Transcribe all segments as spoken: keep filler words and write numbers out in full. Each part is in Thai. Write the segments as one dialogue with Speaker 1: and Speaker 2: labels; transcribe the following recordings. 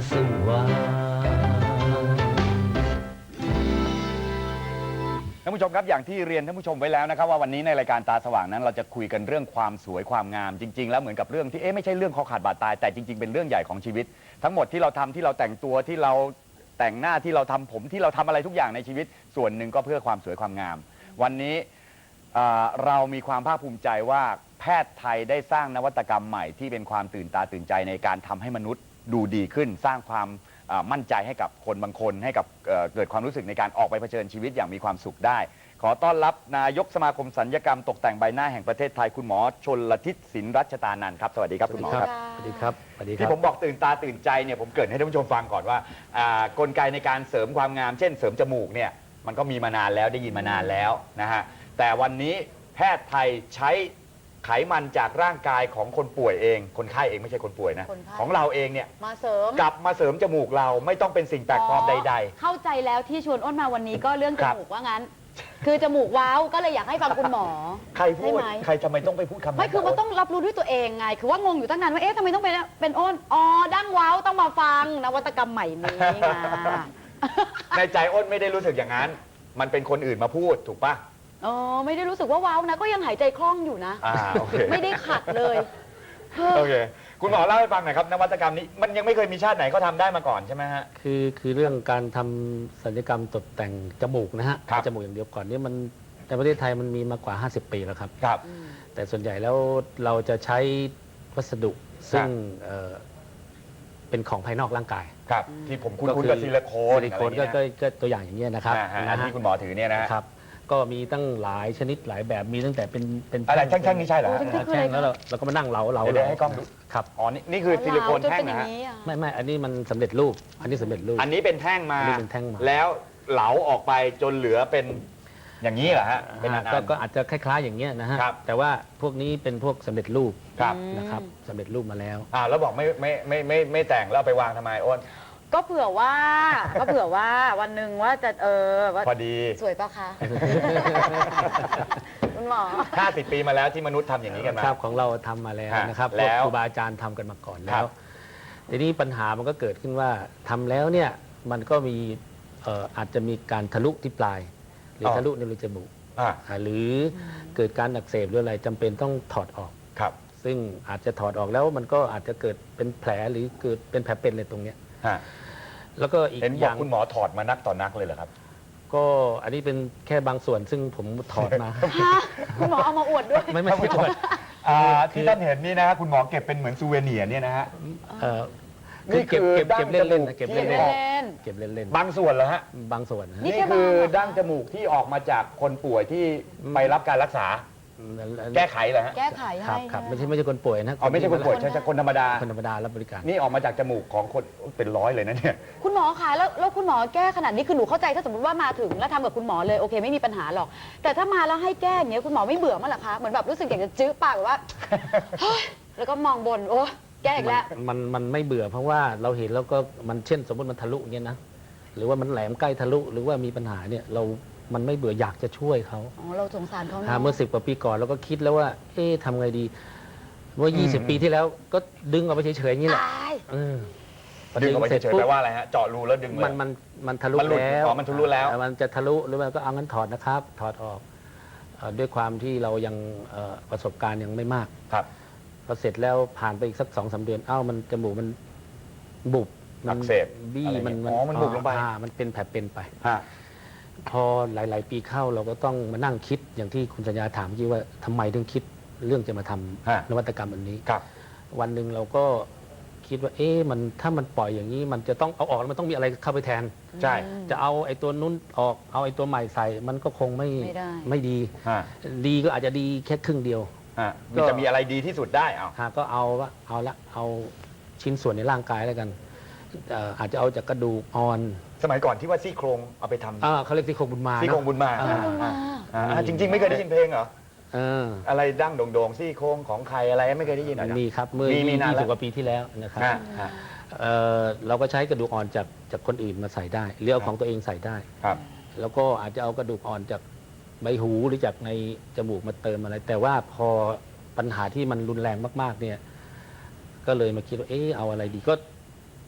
Speaker 1: สว่าง
Speaker 2: ท่านผู้ชมครับอย่างที่เรียนท่านผู้ชมไว้แล้วนะครับว่าวันนี้ในรายการตาสว่างนั้นเราจะคุยกันเรื่องความสวยความงามจริงๆแล้วเหมือนกับเรื่องที่เอ๊ะไม่ใช่เรื่องคอขาดบาดตายแต่จริงๆเป็นเรื่องใหญ่ของชีวิตทั้งหมดที่เราทำที่เราแต่งตัวที่เราแต่งหน้าที่เราทำผมที่เราทำอะไรทุกอย่างในชีวิตส่วนหนึ่งก็เพื่อความสวยความงามวันนี้เรามีความภาคภูมิใจว่าแพทย์ไทยได้สร้างนวัตกรรมใหม่ที่เป็นความตื่นตาตื่นใจในการทำให้มนุษย์ดูดีขึ้นสร้างความมั่นใจให้กับคนบางคนให้กับเกิดความรู้สึกในการออกไปเผชิญชีวิตอย่างมีความสุขได้ขอต้อนรับนายกสมาคมศัลยกรรมตกแต่งใบหน้าแห่งประเทศไทยคุณหมอชลทิศสินรัชตานันท์ครับสวัสดีครับคุณหมอครับ
Speaker 1: สวัสดีครับสวัสดีครับ
Speaker 2: ที่ผมบอกตื่นตาตื่นใจเนี่ยผมเกริ่นให้ท่านผู้ชมฟังก่อนว่ากลไกในการเสริมความงามเช่นเสริมจมูกเนี่ยมันก็มีมานานแล้วได้ยินมานานแล้วนะฮะแต่วันนี้แพทย์ไทยใช้ไขมันจากร่างกายของคนป่วยเองคนไข้เองไม่ใช่คนป่วยนะของเราเองเนี่ย
Speaker 3: มาเสริม
Speaker 2: กลับมาเสริมจมูกเราไม่ต้องเป็นสิ่งแปลกปลอมใดๆ
Speaker 3: เข้าใจแล้วที่ชวนอ้นมาวันนี้ก็เรื่องจมูกว่างั้นคือจมูกว้าวก็เลยอยากให้ฟังคุณหมอ
Speaker 2: ใครพูดใครทำไมต้องไปพูดคำนั้น
Speaker 3: ไม่คือมันต้องรับรู้ด้วยตัวเองไงคือว่างงอยู่ตั้งนานว่าเอ๊ะทำไมต้องเป็นเป็นอ้นอ๋อดั้งว้าวต้องมาฟังนวัตกรรมใหม่นี้ไง
Speaker 2: ในใจอ้นไม่ได้รู้สึกอย่างนั้นมันเป็นคนอื่นมาพูดถูกปะ
Speaker 3: อ๋อไม่ได้รู้สึกว่าว้าวนะก็ยังหายใจคล่องอยู่นะไม่ได้ขัดเลย
Speaker 2: โอเคคุณหมอเล่าให้ฟังหน่อยครับนวัตกรรมนี้มันยังไม่เคยมีชาติไหนเขาทำได้มาก่อนใช่ไหมฮะ
Speaker 1: คือคือเรื่องการทำศัลยกรรมตกแต่งจมูกนะฮะจมูกอย่างเดียวก่อนนี่มันในประเทศไทยมันมีมากว่าห้าสิบปีแล้วครับ
Speaker 2: ครับ
Speaker 1: แต่ส่วนใหญ่แล้วเราจะใช้วัสดุซึ่งเป็นของภายนอกร่างกาย
Speaker 2: ครับที่ผมคุ้นๆกับซิลิโคน
Speaker 1: ซิลิโคนก็ตัวอย่างอย่างนี้นะครับ
Speaker 2: อันที่คุณหมอถือเนี่ยนะครับ
Speaker 1: ก็มีตั้งหลายชนิดหลายแบบมีตั้งแต่เป็นเป็น
Speaker 2: อะไรแท่งๆนี่ใช่เหรอ
Speaker 1: แท่งแล้วเราเราก็มานั่งเหลาเหลา
Speaker 2: เลยให้กล้องดู
Speaker 1: ครับ
Speaker 2: อ๋อนี่คือซิลิโคนแท่งนะฮะ
Speaker 1: ไม่ไม่อันนี้มันสำเร็จรูปอันนี้สำเร็จรูป
Speaker 2: อันนี้เป็นแท่งมา
Speaker 1: เป็นแท่งมา
Speaker 2: แล้วเหลาออกไปจนเหลือเป็นอย่างนี้เหรอฮะเป็น
Speaker 1: ก็อาจจะคล้ายๆอย่างเงี้ยนะฮะแต่ว่าพวกนี้เป็นพวกสำเร็จรูปนะครับสำเร็จรูปมาแล้ว
Speaker 2: อ่าแล้วบอกไม่ไม่ไม่ไม่ไม่แต่งแล้วไปวางทำไมอ้น
Speaker 3: ก็เผื่อว่าก็เผื่อว่าวันหนึ่งว่าจะเออ
Speaker 2: พอดี
Speaker 3: สวยปะคะคุณหมอ
Speaker 2: ห้าสิบปีมาแล้วที่มนุษย์ทำอย่างนี้กันมา
Speaker 1: ครับของเราทำมาแล้วนะครับแล้วครูบาอาจารย์ทำกันมาก่อนแล้วทีนี้ปัญหามันก็เกิดขึ้นว่าทำแล้วเนี่ยมันก็มีอาจจะมีการทะลุที่ปลายหรือทะลุในรูจมูกหรือเกิดการอักเสบหรืออะไรจำเป็นต้องถอดออก
Speaker 2: ครับ
Speaker 1: ซึ่งอาจจะถอดออกแล้วมันก็อาจจะเกิดเป็นแผลหรือเกิดเป็นแผลเป็นอะไรตรงเนี้ยแล้วก็อีก
Speaker 2: อย่างคุณหมอถอดมานักต่อนักเลยเหรอครับ
Speaker 1: ก็อันนี้เป็นแค่บางส่วนซึ่งผมถอดมา
Speaker 3: คุณหมอเอามาอวดด้วย
Speaker 1: ไม่ไม่ใช่อวด
Speaker 2: ที่ท่านเห็นนี่นะคุณหมอเก็บเป็นเหมือนซูเวเนียร์เนี่ยนะฮะ
Speaker 1: นี่คือเก็บเก็บเล่นเล่นเก็บเล่นเล่นเก็บเล่นเล่น
Speaker 2: บางส่วนเหรอฮะ
Speaker 1: บางส่วน
Speaker 2: นี่คือดั้งจมูกที่ออกมาจากคนป่วยที่ไปรับการรักษาแก้ไขเหรอฮะ
Speaker 3: แก้ไขให้
Speaker 1: ครับครับไม่ใช่ไม่ใช่คนป่วยนะ
Speaker 2: อ๋อไม่ใช่คนป่วยใช่คนธรรมดา
Speaker 1: คนธรรมดารับบริการ
Speaker 2: นี่ออกมาจากจมูกของคนเป็นร้อยเลยนะเนี่ย
Speaker 3: คุณหมอคะแล้วแล้วคุณหมอแก้ขนาดนี้คือหนูเข้าใจถ้าสมมติว่ามาถึงแล้วทำกับคุณหมอเลยโอเคไม่มีปัญหาหรอกแต่ถ้ามาแล้วให้แก้อย่างเงี้ยคุณหมอไม่เบื่อมั้งหรอคะเหมือนแบบรู้สึกอยากจะจื้อปากแบบว่าแล้วก็มองบนโอ้แก้อีกแล้ว
Speaker 1: มันมันไม่เบื่อเพราะว่าเราเห็นแล้วก็มันเช่นสมมติมันทะลุเงี้ยนะหรือว่ามันแหลมใกล้ทะลุหรือว่ามีปัญหาเนี่ยเรามันไม่เบื่ออยากจะช่วยเขา
Speaker 3: อ๋อเราสงสารเขา
Speaker 1: เมื่อสิบกว่าปีก่อนเราก็คิดแล้วว่าเอ๊ะทำไงดีเมื่อยี่สิบปีที่แล้วก็ดึงออกไปเฉยๆอย่างนี้แหละ
Speaker 2: ดึงออกไปเฉยๆแปลว่าอะไรฮะเจาะรูแล้วดึง
Speaker 1: มันมันมันทะลุแล้ว
Speaker 2: มันทะลุแล้ว
Speaker 1: มันจะทะลุหรือว่าก็เอางั้นถอดนะครับถอดออกด้วยความที่เรายังประสบการณ์ยังไม่มาก
Speaker 2: ครับ
Speaker 1: พอเสร็จแล้วผ่านไปอีกสักสองสามเดือนเอ้ามันจมูกมันบุบ
Speaker 2: มันเสพ
Speaker 1: บี้มัน
Speaker 2: อ๋อมันบุบลงไป
Speaker 1: มันเป็นแผลเป็นไปพอหลายๆปีเข้าเราก็ต้องมานั่งคิดอย่างที่คุณสัญญาถามเมื่อกี้ว่าทำไมถึงคิดเรื่องจะมาทำนวัตกรรมอันนี้วันหนึ่งเราก็คิดว่าเอ๊ะมันถ้ามันปล่อยอย่างนี้มันจะต้องเอาออกแล้วมันต้องมีอะไรเข้าไปแทน
Speaker 2: ใช่
Speaker 1: จะเอาไอ้ตัวนู้นออกเอาไอ้ตัวใหม่ใส่มันก็คงไม่ไม่ดีดีก็อาจจะดีแค่ครึ่งเดียว
Speaker 2: มันจะมีอะไรดีที่สุดได้เอา
Speaker 1: ก็เอาว่าเอาละเอาชิ้นส่วนในร่างกายแล้วกันอาจจะเอาจากกระดูกอ่อน
Speaker 2: สมัยก่อนที่ว่าซี่โครงเอาไปทำ
Speaker 1: อ่าเขาเรียกซี่โครงบุญมา
Speaker 2: ซี่โครงบุญมาจริงๆไม่เคยได้ยินเพลงเหรออะไรดั้งโด่งๆซี่โครงของใครอะไรไม่เคยได้ยินหรอ
Speaker 1: มีครับเมื่อยี่สิบกว่าปีที่แล้วนะครับเราก็ใช้กระดูกอ่อนจากจากคนอื่นมาใส่ได้หรือเอาของตัวเองใส่ได้แล้วก็อาจจะเอากระดูกอ่อนจากใบหูหรือจากในจมูกมาเติมอะไรแต่ว่าพอปัญหาที่มันรุนแรงมากๆเนี่ยก็เลยมาคิดว่าเออเอาอะไรดีก็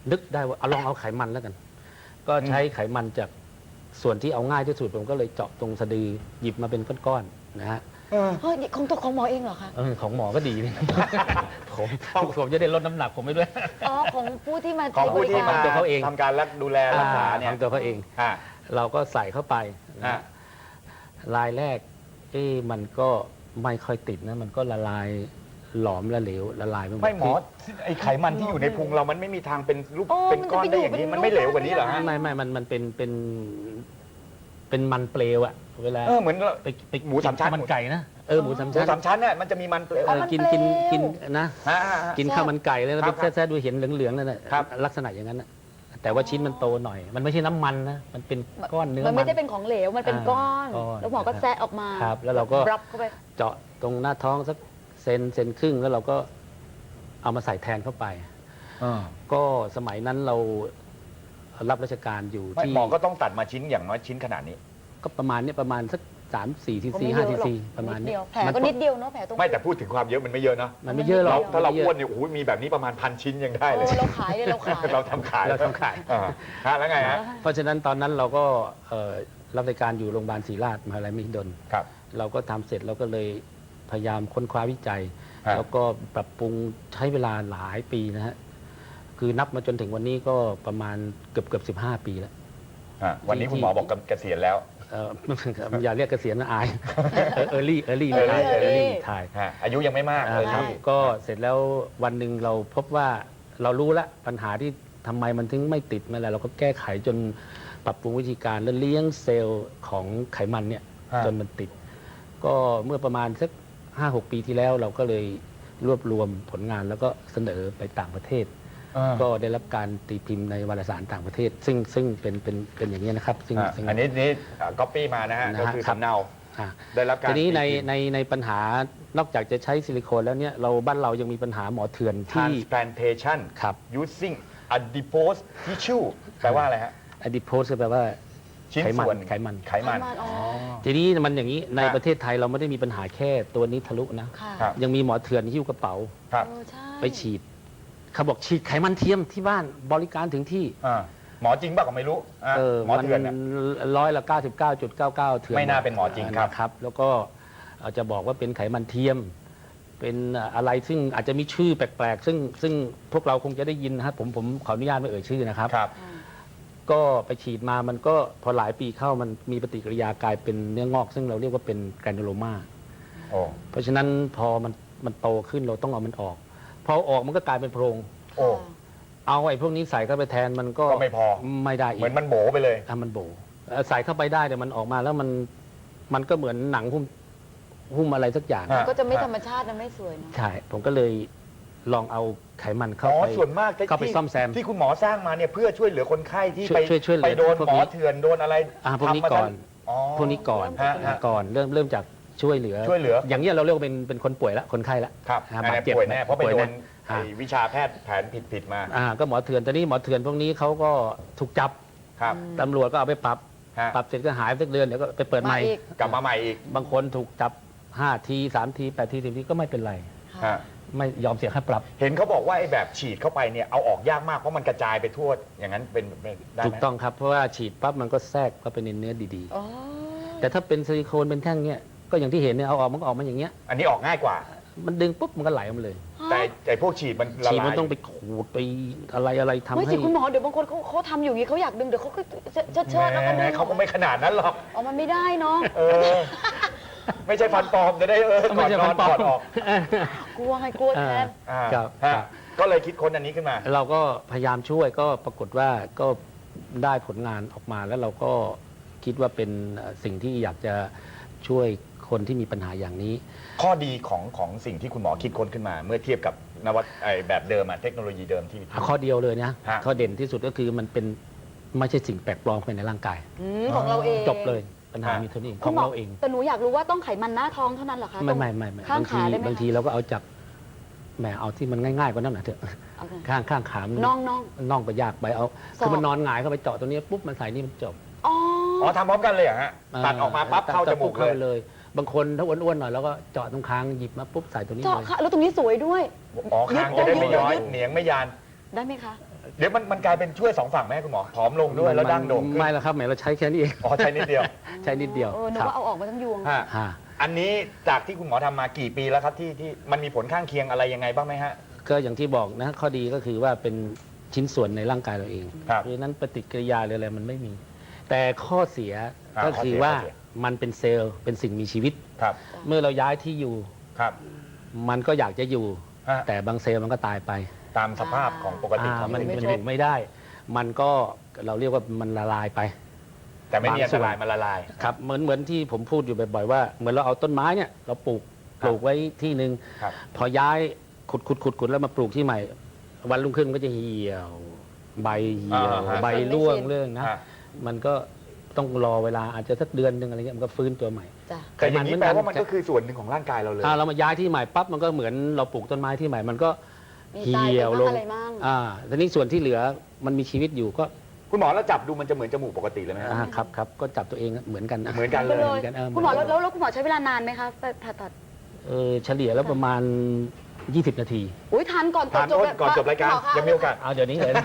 Speaker 1: นึกได้ว่าเอาลองเอาไขมันแล้วกัน ก็ใช้ไขมันจากส่วนที่เอาง่ายที่สุดผมก็เลยเจาะตรงสะดือหยิบมาเป็นก้อนๆนะฮะ
Speaker 2: เออ
Speaker 3: เฮ้ยของตัวของหมอเองเหรอคะ
Speaker 1: เออของหมอก็ดีนี่ ผมผมจะได้ลดน้ำหนักผมไปด้วย
Speaker 3: อ๋อของผู้ที่มา
Speaker 2: ของผู้ที่
Speaker 3: ใช้บ
Speaker 2: มา
Speaker 3: ริกร
Speaker 1: ตัวเขาเอง
Speaker 2: ทำการรักดูแลรักษาเนี่ย
Speaker 1: ทำตัวเขาเอง
Speaker 2: ฮะ
Speaker 1: เราก็ใส่เข้าไปนะ
Speaker 2: ฮะ
Speaker 1: ฮะลายแรกเอ๊ะมันก็ไม่ค่อยติดนะมันก็ละลายหลอมละเหลวละลายไปหมด
Speaker 2: ไม่หมอไอไขมันที่อยู่ในพุงเรามันไม่มีทางเป็นรูป
Speaker 3: โอ้
Speaker 2: เป็นก้อน
Speaker 3: มันจะไป
Speaker 2: ได้อย่างนี้
Speaker 3: อยู่เป็น
Speaker 2: มันไม่เหลวกว่านี้เหรอฮะ
Speaker 1: ไม่ไม่มันมันเป็นเป็นเป็นมันเปลวอะเวลา
Speaker 2: เออเหมือนเรา
Speaker 1: ไปไป
Speaker 2: หมูสามชั้น
Speaker 1: กิข้วมันไก่นะเออหมูสาม
Speaker 2: หมู
Speaker 1: ชั้น
Speaker 2: สามชั้นเนี่ยมันจะมีมันเปลว
Speaker 1: เออกินกินกินนะ
Speaker 2: ฮะฮะฮะ
Speaker 1: กินข้าวมันไก่เลยนะ
Speaker 2: ครั
Speaker 1: ไป
Speaker 2: บครับ
Speaker 1: แซ่ๆดูเห็นเหลืองๆนั่นแหละ
Speaker 2: ครับ
Speaker 1: ลักษณะอย่างนั้นนะแต่ว่าชิ้นมันโตหน่อย มันไม่ใช่น้ำมันนะมันเป็นก้อนเนื้อ
Speaker 3: มันไม่ได้เป็นของเหลวมันเป็น
Speaker 1: อ่า
Speaker 3: ก้อน
Speaker 1: ก้อน
Speaker 3: แล้วหมอก็แซะออกมา
Speaker 1: ครับแล้วเราก็
Speaker 3: รับเข้าไป
Speaker 1: เจาะตรงหน้าท้องสักเซนเซนครึ่งแล้วเราก็เอามาใส่แทนเข้าไป ก็สมัยนั้นเรารับราชการอยู่
Speaker 2: ไม่
Speaker 1: ที่
Speaker 2: หมอก็ต้องตัดมาชิ้นอย่างน้อยชิ้นขนาดนี้
Speaker 1: ก็ประมาณเนี้ยประมาณสักสามสี่ที
Speaker 3: ก็
Speaker 1: ซี
Speaker 3: ไม่
Speaker 1: ห้า
Speaker 3: เย
Speaker 1: ที
Speaker 3: อะหรอก
Speaker 1: ซีประมาณ
Speaker 3: นิด
Speaker 1: เนี้
Speaker 3: เดี
Speaker 1: ย
Speaker 3: ยวแผลก็นิดเดียวเนาะแผลตรง
Speaker 2: ไม่แต่พูดถึงความเยอะมันไม่เยอะเนาะ
Speaker 1: มันไม่เยอะหรอก
Speaker 2: ถ้าเรา
Speaker 1: ไม่ยะ
Speaker 2: อ้วนเนี่ยโอ้ยมีแบบนี้ประมาณพันชิ้นยังได้เลย
Speaker 3: เออเราขายเลยเราขาย
Speaker 2: เราทำขาย
Speaker 1: เราทำขาย
Speaker 2: อ่ฮะแล้วไงฮะ
Speaker 1: เพราะฉะนั้นตอนนั้นเราก็เอ่อรับราชการอยู่โรงพยาบาลศรีราชมหาวิทยาลัยมหิดล
Speaker 2: ครับ
Speaker 1: เราก็ทำเสร็จเราก็เลยพยายามค้นคว้าวิจัย
Speaker 2: ฮะ
Speaker 1: แล้วก็ปรับปรุงใช้เวลาหลายปีนะฮะคือนับมาจนถึงวันนี้ก็ประมาณเกือบเกือบสิบห้าปีแล้ว
Speaker 2: ฮะวันนี้คุณหมอบอกเกษียณแล้ว
Speaker 1: เอ่อ อย่าเรียกเกษียณนะอายเออร์ลี่เออร์ลี่
Speaker 3: Early
Speaker 1: เออร์ลี่
Speaker 3: Early
Speaker 1: ถ่าย
Speaker 2: ฮะอายุยังไม่มากเลย
Speaker 1: ครับ
Speaker 2: ที่
Speaker 1: ก็เสร็จแล้ววันหนึ่งเราพบว่าเรารู้ละปัญหาที่ทำไมมันถึงไม่ติดไม่อะไรเราก็แก้ไขจนปรับปรุงวิธีการแล้วเลี้ยงเซลล์ของไขมันเนี่ย
Speaker 2: ฮะ
Speaker 1: จนมันติด ก็เมื่อประมาณสักห้าหกปีที่แล้วเราก็เลยรวบรวมผลงานแล้วก็เสนอไปต่างประเทศ ก็ได้รับการตีพิมพ์ในวารสารต่างประเทศ ซึ่งซึ่งเป็นเป็นเป็นอย่างนี้ยนะครับซึ่ง
Speaker 2: อ่ะ
Speaker 1: ซึ่ง
Speaker 2: อันนี้นี่ก๊อปปี้มานะฮะ
Speaker 1: นะ
Speaker 2: ก็
Speaker 1: ฮะ
Speaker 2: คือ
Speaker 1: ครับ
Speaker 2: สำเนา
Speaker 1: อ่ะ
Speaker 2: ได้รับการ
Speaker 1: ทีนี้ใน
Speaker 2: ตีพิมพ์
Speaker 1: ในในปัญหานอกจากจะใช้ซิลิโคนแล้วเนี่ยเราบ้านเรายังมีปัญหาหมอเถื่อนที่
Speaker 2: transplantation
Speaker 1: ครับ
Speaker 2: using adipose tissue แปลว่าอะไรฮะ
Speaker 1: อดีโพสแปลว่า
Speaker 2: ชิ้น
Speaker 1: ไขมัน
Speaker 2: ส่วน
Speaker 1: ไขมัน
Speaker 2: ไขมัน
Speaker 3: อ๋อ
Speaker 1: ทีนี้มันอย่างนี้ใน
Speaker 2: ฮะ
Speaker 1: ประเทศไทยเราไม่ได้มีปัญหาแค่ตัวนี้ทะลุนะ
Speaker 3: ค่ะ
Speaker 2: ครับ
Speaker 1: ยังมีหมอเถื่อนหิ้วกระเป๋า
Speaker 2: ครับ
Speaker 3: เออใช่
Speaker 1: ไปฉีดเขาบอกฉีดไขมันเทียมที่บ้านบริการถึงที่
Speaker 2: อ่าหมอจริงบ้างก็ไม่รู้อ่ะ
Speaker 1: เออ
Speaker 2: หมอ
Speaker 1: มัน
Speaker 2: เถื่อนน่ะ
Speaker 1: ร้อยละเก้าสิบเก้าจุดเก้าเก้าเถื่อน
Speaker 2: ไม่น่าเป็นหมอจริงครับ
Speaker 1: นะครับ แล้วก็อาจจะบอกว่าเป็นไขมันเทียม เป็นอะไรซึ่งอาจจะมีชื่อแปลกๆ ซึ่งซึ่งพวกเราคงจะได้ยินนะครับผมผมขออนุญาตไม่เอ่ยชื่อนะครับ
Speaker 2: ครับ
Speaker 3: อืม
Speaker 1: ก็ไปฉีดมามันก็พอหลายปีเข้ามันมีปฏิกิริยากลายเป็นเนื้องอก ซึ่งเราเรียกว่าเป็นแกรนูโลมา
Speaker 2: โอ้
Speaker 1: เพราะฉะนั้นพอมันมันโตขึ้นเราต้องเอามันออก พอเอาออกมันก็กลายเป็นโพรง
Speaker 2: โอ้
Speaker 1: เอาไอ้พวกนี้ใส่เข้าไปแทนมันก็
Speaker 2: ก็ไม่พอ
Speaker 1: ไม่ได้อี
Speaker 2: เหมื
Speaker 1: ก
Speaker 2: อนมันโบไปเลย
Speaker 1: อ่ะมันโบเอ่อใส่เข้าไปได้แต่มันออกมาแล้วมันมันก็เหมือนหนังหุ้มหุ้มอะไรสักอย่าง
Speaker 2: ฮะ
Speaker 3: ก็จะไม่ธรรมชาตินะไม่สวยเนาะ
Speaker 1: ใช่ผมก็เลยลองเอาไขมันเข้า
Speaker 2: อ๋อ
Speaker 1: ไป
Speaker 2: ส่วนมากที่
Speaker 1: เข้าไปซ่อมแซม
Speaker 2: ที่คุณหมอสร้างมาเนี่ยเพื่อช่วยเหลือคนไข้ที่
Speaker 1: ช่วย
Speaker 2: ไป
Speaker 1: ช่วยช่วยเหลือ
Speaker 2: ไปโดน
Speaker 1: พวก
Speaker 2: หม
Speaker 1: นี้
Speaker 2: อเถื่อนโดนอะไร
Speaker 1: อ่าพวกนี้
Speaker 2: ทำมา
Speaker 1: ก่อน
Speaker 2: อ๋อ
Speaker 1: พวกนี้ก่อน
Speaker 2: ฮะฮะ
Speaker 1: ก่อนเริ่มเริ่มจากช่วยเหลือ
Speaker 2: ช่วยเหลือ
Speaker 1: อย่างนี้ยเราเรียกว่าเป็นเป็นคนป่วยละคนไข้ละ
Speaker 2: ครับ
Speaker 1: อ่า
Speaker 2: อัน
Speaker 1: บาด
Speaker 2: นี้
Speaker 1: เจ็บ
Speaker 2: ป่วยแน่เพราะไป
Speaker 1: ป่วย
Speaker 2: โด
Speaker 1: แน่
Speaker 2: น
Speaker 1: อ่า
Speaker 2: ไอ้วิชาแพทย์แผนผิดๆมา
Speaker 1: อ่าก็หมอเถื่อนตอนนี้หมอเถื่อนพวกนี้เขาก็ถูกจับ
Speaker 2: ครับ
Speaker 1: ตำรวจก็เอาไปปรับ
Speaker 2: ฮะ
Speaker 1: ปรับเสร็จก็หายไปสักเดือนเดี๋ยวก็ไปเปิดใหม่
Speaker 3: มาอีก
Speaker 2: กลับมาใหม่อีก
Speaker 1: บางคนถูกจับห้าทีสามทีแปดทีสิบทีก็ไม่เป็นไร
Speaker 2: ฮะ
Speaker 1: ไม่ยอมเสียค่าปรับ
Speaker 2: เห็นเขาบอกว่าไอ้แบบฉีดเข้าไปเนี่ยเอาออกยากมากเพราะมันกระจายไปทั่วอย่างนั้นเป็นเป็นได้ไหม
Speaker 1: ถูกต้องครับ เพราะว่าฉีดปั๊บมันก็แทรกเข้าไปในเนื้อดี
Speaker 3: อ๋อ
Speaker 1: ๆ แต่ถ้าเป็นซิลิโคนเป็นแท่งเนี้ยก็อย่างที่เห็นเนี่ยเอาออกมันก็ออกมาอย่างเงี้ย
Speaker 2: อันนี้ออกง่ายกว่า
Speaker 1: มันดึงปุ๊บมันก็ไหลออกมาเลย
Speaker 2: แต่ไอ้พวกฉีดมันละ
Speaker 1: ฉีด
Speaker 2: ลา
Speaker 1: มัน
Speaker 2: ย
Speaker 1: ต้องไปขูดไปอะไรอะไรทำ
Speaker 3: ไม่
Speaker 1: ให้
Speaker 3: สิคุณหมอเดี๋ยวบางคนเขาเขาทำอยู่อย่างนี้เขาอยากดึงเดี๋ยวเขาก็เชิดเชิดเชิดแล้วก็
Speaker 2: แห
Speaker 3: ดึ
Speaker 2: ม
Speaker 3: ง
Speaker 2: เขาก็ไม่ขนาดนั้นหรอก
Speaker 3: อ๋อมันไม่ได้เนาะ
Speaker 2: เออ ไม่ใช่ฟันปลอมจะได้เออก่
Speaker 1: ไม่
Speaker 2: อน
Speaker 1: ใช่
Speaker 2: น
Speaker 1: ฟั
Speaker 2: อน
Speaker 1: นปลอ
Speaker 2: ถอ
Speaker 1: ม
Speaker 2: ดออก
Speaker 3: กลัวไงกลัวแทน
Speaker 2: อ่า
Speaker 1: ครับ
Speaker 2: ฮะ
Speaker 1: ครับ
Speaker 2: ก็เลยคิดค้นอันนี้ขึ้นมา
Speaker 1: เราก็พยายามช่วยก็ปรากฏว่าก็ได้ผลงานออกมาแล้วเราก็คิดว่าเป็นสิ่งที่อยากจะช่วยคนที่มีปัญหาอย่างนี้
Speaker 2: ข้อดีของของสิ่งที่คุณหมอคิดค้นขึ้นมา เมื่อเทียบกับนวัตไอ้แบบเดิมอะเทคโนโลยีเดิมที่
Speaker 1: ข้อเดียวเลยนะ
Speaker 2: ฮะ
Speaker 1: ข้อเด่นที่สุดก็คือมันเป็นไม่ใช่สิ่งแปลกปลอมภายในร่างกาย
Speaker 3: อืมของเราเอง
Speaker 1: จบเลยปัญหามีเท่านี้ข
Speaker 3: คุ
Speaker 1: อ
Speaker 3: ณ
Speaker 1: ง
Speaker 3: หมอ
Speaker 1: เราเอง
Speaker 3: แต่หนูอยากรู้ว่าต้องไขมันหน้าท้องเท่านั้นเหรอคะ
Speaker 1: ไม่
Speaker 3: ตรง
Speaker 1: ไม่ไม่ไม่
Speaker 3: ข้าง
Speaker 1: บางที
Speaker 3: ขาได้ไหม
Speaker 1: บางที
Speaker 3: คะ
Speaker 1: เราก็เอาจากแหมเอาที่มันง่ายๆกว่านั้นหน่อยเถอะ
Speaker 3: เอาไง
Speaker 1: ข้างข้างขามัน
Speaker 3: น่องน่อง
Speaker 1: น่องก็ยากไปเอา
Speaker 3: ศอก
Speaker 1: คือมันนอนหงายเข้าไปเจาะตรงนี้ปุ๊บมันใส่นี่มันจบ
Speaker 3: อ๋อ
Speaker 2: อ๋อทำพร้อมกันเลยเหรอฮะตัดออกมาปั๊บเข้าจมูก
Speaker 1: เข้า
Speaker 2: เล
Speaker 1: ไป
Speaker 2: ย
Speaker 1: เลย บางคนถ้าอ้วนๆหน่อยแล้วก็เจาะตรงคางหยิบมาปุ๊บใส่ตัวนี้
Speaker 3: เจาะ
Speaker 1: เลย
Speaker 3: ค่ะแล้วตรงนี้สวยด้วย
Speaker 2: อ๋อคางจะได้ไม่ย้อยเหนียงไม่ยาน
Speaker 3: ได้ไหมคะ
Speaker 2: เดี๋ยวมันมันกลายเป็นช่วยสองฝั่งไหมคุณหมอผอมลงด้วยแล้วดั้งโด่งขึ้น
Speaker 1: ไม่แล้วครับแหมเราใช้แค่นี้เอง
Speaker 2: อ๋อใช่นิดเดียว
Speaker 1: ใช้นิดเดียว
Speaker 3: เออนึก
Speaker 1: ครับ
Speaker 3: ว่าเอาออกมาทั้งยวง
Speaker 2: ฮะ
Speaker 1: ฮะ
Speaker 2: อันนี้จากที่คุณหมอทำมากี่ปีแล้วครับที่ที่มันมีผลข้างเคียงอะไรยังไงบ้างไหมฮะ
Speaker 1: ก็อย่างที่บอกนะข้อดีก็คือว่าเป็นชิ้นส่วนในร่างกายเราเอง
Speaker 2: ครับ
Speaker 1: เพราะฉะนั้นปฏิกิริยาหรืออะไรมันไม่มี แต่ข้อเสีย
Speaker 2: อ่า
Speaker 1: ก็คือว่า
Speaker 2: ข้อเสีย
Speaker 1: มันเป็นเซลล์เป็นสิ่งมีชีวิต
Speaker 2: ครับ
Speaker 1: เมื่อเราย้ายที่อยู่
Speaker 2: ครับ
Speaker 1: มันก็อยากจะอยู่
Speaker 2: ฮะ
Speaker 1: แต่บางเซลล์มันก็ตายไป
Speaker 2: ตามสภาพของปกติ
Speaker 1: อ่า
Speaker 2: ของ
Speaker 1: มัน
Speaker 2: สิ่ง
Speaker 1: มัน
Speaker 2: มีชี
Speaker 1: อ
Speaker 2: วิต
Speaker 1: ยู่ไม่ได้ มันก็เราเรียกว่ามันละลายไป
Speaker 2: แต่ไม่มีอัน
Speaker 1: บางส่
Speaker 2: ต
Speaker 1: วน
Speaker 2: รายมันละลาย
Speaker 1: ครับเหมือนเหมือนที่ผมพูดอยู่บ่อยๆว่าเหมือนเราเอาต้นไม้เนี่ยเราปลูก
Speaker 2: ครับ
Speaker 1: ปลูกไว้ที่หนึ่ง
Speaker 2: ครับ
Speaker 1: พอย้ายขุดขุดขุดขุดแล้วมาปลูกที่ใหม่ วันรุ่งขึ้นมันก็จะเหี่ยว ใบเหี่ยว
Speaker 2: อ่าฮะ
Speaker 1: ใบร่วงเรื่องนะ
Speaker 2: ฮะ
Speaker 1: มันก็ต้องรอเวลาอาจจะสักเดือนหนึ่งอะไรเงี้ยมันก็ฟื้นตัวใหม่
Speaker 3: จ้ะ
Speaker 2: แต่อย่างนี้
Speaker 1: ไขมัน
Speaker 2: แปลว่ามัน
Speaker 1: มัน
Speaker 2: ก็คือส่วนหนึ่งของร่างกายเราเลย
Speaker 1: ถ้าเรามาย้ายที่ใหม่ปั๊บมันก็เหมือนเราปลูกต้นไม้ที่ใหม่ มันก็
Speaker 3: มี
Speaker 1: เหี
Speaker 3: ตายไป่
Speaker 1: ยว
Speaker 3: บ้าง
Speaker 1: ลง
Speaker 3: อะไรบ้าง
Speaker 1: อ่าทีนี้ส่วนที่เหลือมันมีชีวิตอยู่ก็
Speaker 2: คุณหมอแล้วจับดูมันจะเหมือนจมูกปกติเลยไหมฮะ
Speaker 1: อ่าครับครับก็จับตัวเองเหมือนกันนะ
Speaker 2: เหมือนกันเลย
Speaker 3: ไป
Speaker 1: เหมือนกันเออ
Speaker 3: คุณหมอ
Speaker 1: เหมื
Speaker 3: แล้
Speaker 1: อ
Speaker 3: วน แล้วแล้วคุณหมอใช้เวลานานไหมคะไปผ่าตัด
Speaker 1: เออเฉลี่ยแล้วประมาณ ยี่สิบ นาที
Speaker 3: อุ้ยทันก่อน
Speaker 2: ทาน
Speaker 3: จบ
Speaker 2: โทษก่อนจบรายการ
Speaker 3: คุณหมอคะ
Speaker 2: ยังมีโอกาส
Speaker 1: เอาเดี๋ยวนี้เลยนะ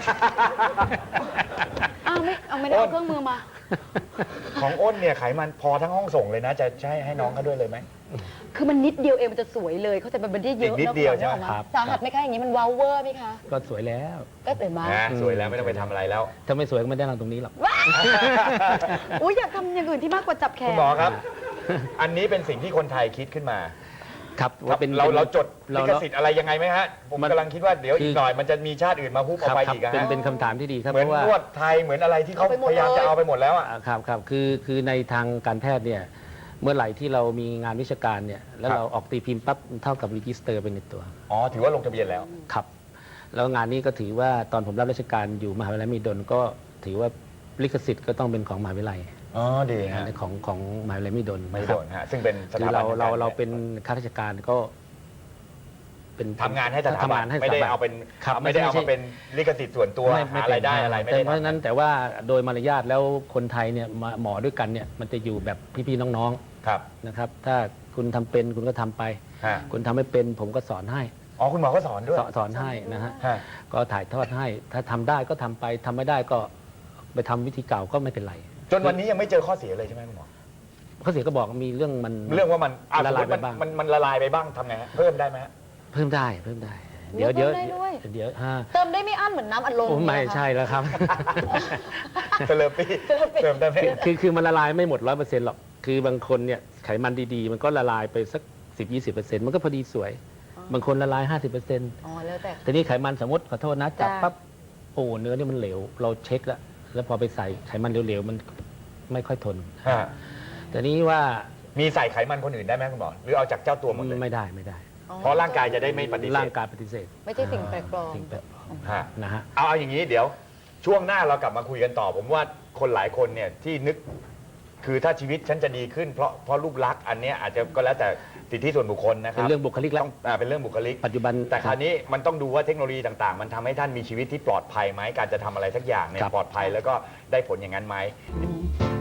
Speaker 3: อ้าวไม่เอาไม่ได้
Speaker 2: อ้
Speaker 3: เอา
Speaker 2: น
Speaker 3: เครื่องมือมา
Speaker 2: ของอ้นเนี่ยไขมันพอทั้งห้องส่งเลยนะ จะใช้ให้น้องเขาด้วยเลยไหม
Speaker 3: คือมันนิดเดียวเองมันจะสวยเลยเขาแต่มันไม่ได้เยอะ
Speaker 2: อีกนิดเดียวใช่ไหม
Speaker 3: นึกออก
Speaker 1: ครับ
Speaker 3: สาหัสไหมคะอย่างนี้มันว้าวเวอร์ไหมคะ
Speaker 1: ก็สวยแล้ว
Speaker 3: ก็เห็นไหม
Speaker 2: นะสวยแล้วไม่ต้องไปทำอะไรแล้ว
Speaker 1: ถ้าไม่สวยก็ไม่ได้นั่งตรงนี้หรอก
Speaker 3: อุ้ยอยากทำอย่างอื่นที่มากกว่าจับแข
Speaker 2: คุ
Speaker 3: น
Speaker 2: ณหมอครับ อันนี้เป็นสิ่งที่คนไทยคิดขึ้นมา
Speaker 1: ครับ
Speaker 2: ครับ
Speaker 1: ว่าเป็น
Speaker 2: เรา
Speaker 1: ป็น
Speaker 2: เราจด
Speaker 1: เรา
Speaker 2: ลิขสิทธิ์อะไรยังไงไหมฮะ ผม
Speaker 1: มัน
Speaker 2: กำลังคิดว่าเดี๋ยว
Speaker 1: คือ
Speaker 2: อีกหน่อยมันจะมีชาติอื่นมาฮุบ
Speaker 1: ค
Speaker 2: เอา
Speaker 1: รับ
Speaker 2: ไป
Speaker 1: ครับ
Speaker 2: อีกอะ
Speaker 1: เป็น
Speaker 2: ฮะ
Speaker 1: เป็นคำถามที่ดีครับ
Speaker 2: เหมือน
Speaker 1: เพราะว่าน
Speaker 2: วดไทยเหมือนอะไรที่เขา
Speaker 3: เอาไปหมด
Speaker 2: พยายาม
Speaker 3: เลย
Speaker 2: จะเอาไปหมดแล้วอะ
Speaker 1: อ่าครับครับคือคือในทางการแพทย์เนี่ยเมื่อไหร่ที่เรามีงานวิชาการเนี่ยแล้ว
Speaker 2: ครับ
Speaker 1: เราออกตีพิมพ์ปั๊บเท่ากับรีจิสเตอร์เป็นในตัว
Speaker 2: อ๋อถือว่าลงทะเบียนแล้ว
Speaker 1: ครับแล้วงานนี้ก็ถือว่าตอนผมรับราชการอยู่มหาวิทยาลัยมหิดลก็ถือว่าลิขสิทธิ์ก็ต้องเป็นของมหาวิทยาลัย
Speaker 2: อ๋อดีฮะ
Speaker 1: ของของมหาวิทยาลัยมหิดล
Speaker 2: ไม่
Speaker 1: นะค
Speaker 2: โด
Speaker 1: รับ
Speaker 2: นฮะซึ่งเป็นส
Speaker 1: คื
Speaker 2: ถา
Speaker 1: อ
Speaker 2: บัน
Speaker 1: เรา
Speaker 2: ทง
Speaker 1: เรา
Speaker 2: ก
Speaker 1: เราเป็นข้าราชการก็เป็น
Speaker 2: ทำงานให้สถา
Speaker 1: ทำ
Speaker 2: บั
Speaker 1: งาน นให้ส
Speaker 2: ไม่
Speaker 1: ถา
Speaker 2: ได้
Speaker 1: บัน
Speaker 2: เอาเป็น
Speaker 1: ครับ
Speaker 2: ไม่ได้เอา
Speaker 1: ไม่ใช่
Speaker 2: มาเป็นลิขสิทธิ์ส่วนตัว
Speaker 1: ไม่ไม่
Speaker 2: หา
Speaker 1: เป็น
Speaker 2: รายได้อะไรไม่ได้
Speaker 1: เพราะฉะนั้น
Speaker 2: ทำ
Speaker 1: แต่ว่าโดยมารยาทแล้วคนไทยเนี่ยมาหมอด้วยกันเนี่ยมันจะอยู่แบบพี่ๆน้อง
Speaker 2: ครับ
Speaker 1: ๆนะครับ ถ้าคุณทำเป็นคุณก็ทำไป
Speaker 2: ฮะ
Speaker 1: คุณทำไม่เป็นผมก็สอนให้
Speaker 2: อ๋อคุณหมอก็สอนด้วย
Speaker 1: สอนสอนให้นะฮะ
Speaker 2: ฮะ
Speaker 1: ก็ถ่ายทอดให้ ถ้าทำได้ก็ทำไปทำไม่ได้ก็ไปทำวิธีเก่าก็ไม่เป็นไร
Speaker 2: จนวันนี้ยังไม่เจอข้อเสียเลยใช่ไหมคุณหมอ
Speaker 1: ข้อเสียก็บอกมีเรื่องมัน
Speaker 2: เรื่องว่ามันอ่ะ
Speaker 1: ละลาย
Speaker 2: สมมุติมัน
Speaker 1: ไปบ้าง
Speaker 2: มันมันละลายไปบ้างทำไงฮะเพิ่มได้ไหมฮะ
Speaker 1: เพิ่มได้เพิ่มได้
Speaker 3: โอ้
Speaker 1: เดี๋ยวเดี๋ยว
Speaker 3: เพิ่มได้ด้วย
Speaker 1: เดี๋ยวฮะ
Speaker 3: เติมได้ไม่อั้นเหมือนน้ำอัดลม
Speaker 1: โอ้ไม่
Speaker 3: เนี่ยนะคะ
Speaker 1: ใช่แล้วครับ
Speaker 2: เซเลปี้เติมได้ไหม
Speaker 1: คือคือคือมันละลายไม่หมดร้อยเปอร์เซ็นต์หรอก คือบางคนเนี่ยไขมันดีๆ มันก็ละลายไปสักสิบยี่สิบเปอร์เซ็นต์มันก็พอดีสวย บางคนละลายห้าสิบเปอร์เซ็นต์
Speaker 3: อ๋อแล้วแต่
Speaker 1: แต่นี่ไขมันสมมติขอโทษนะจับ
Speaker 3: จ้ะ
Speaker 1: ปั๊บโอ้เนื้อนี่มันเหลว เราเช็คแล้ว แล้วพอไปใส่ไขมันเหลวๆมันไม่ค่อยทน
Speaker 2: ฮะ
Speaker 1: แต่นี้ว่า
Speaker 2: มีใส่ไขมันคนอื่นได้ไหมคุณหมอหรือเอาจากเจ้าตัวหมดเลย
Speaker 1: ไม่ได้ไม่ได้
Speaker 3: อ๋อ
Speaker 2: เพราะร่างกายจะได้ไม่ปฏิเส
Speaker 1: ร่าง
Speaker 2: ธ
Speaker 1: กายปฏิเสธ
Speaker 3: ไม่ใช่สิ่งแปลกปลอม
Speaker 1: สิ่งแปลกปลอม
Speaker 2: ฮะ
Speaker 1: นะฮะ
Speaker 2: เอาเอาอย่างนี้เดี๋ยว ช่วงหน้าเรากลับมาคุยกันต่อ ผมว่าคนหลายคนเนี่ยที่นึก คือถ้าชีวิตฉันจะดีขึ้นเพราะเพราะรูปลักษณ์อันเนี้ยอาจจะก็แล้วแต่สิทธิส่วนบุคคลนะครั
Speaker 1: เป็นเรื่องบุคลิกแล้ว
Speaker 2: ต้องอ่าเป็นเรื่องบุคลิก
Speaker 1: ปัจจุบัน
Speaker 2: แต่คราวนี้มันต้องดูว่าเทคโนโลยีต่างๆ มันทำให้ท่านมีชีวิตที่ปลอดภัยไหมการจะทำอะไรสักอย่างเนี่ย
Speaker 1: ครับ
Speaker 2: ปลอดภัยแล้วก็ได้ผลอย่างนั้นไหม
Speaker 3: อืม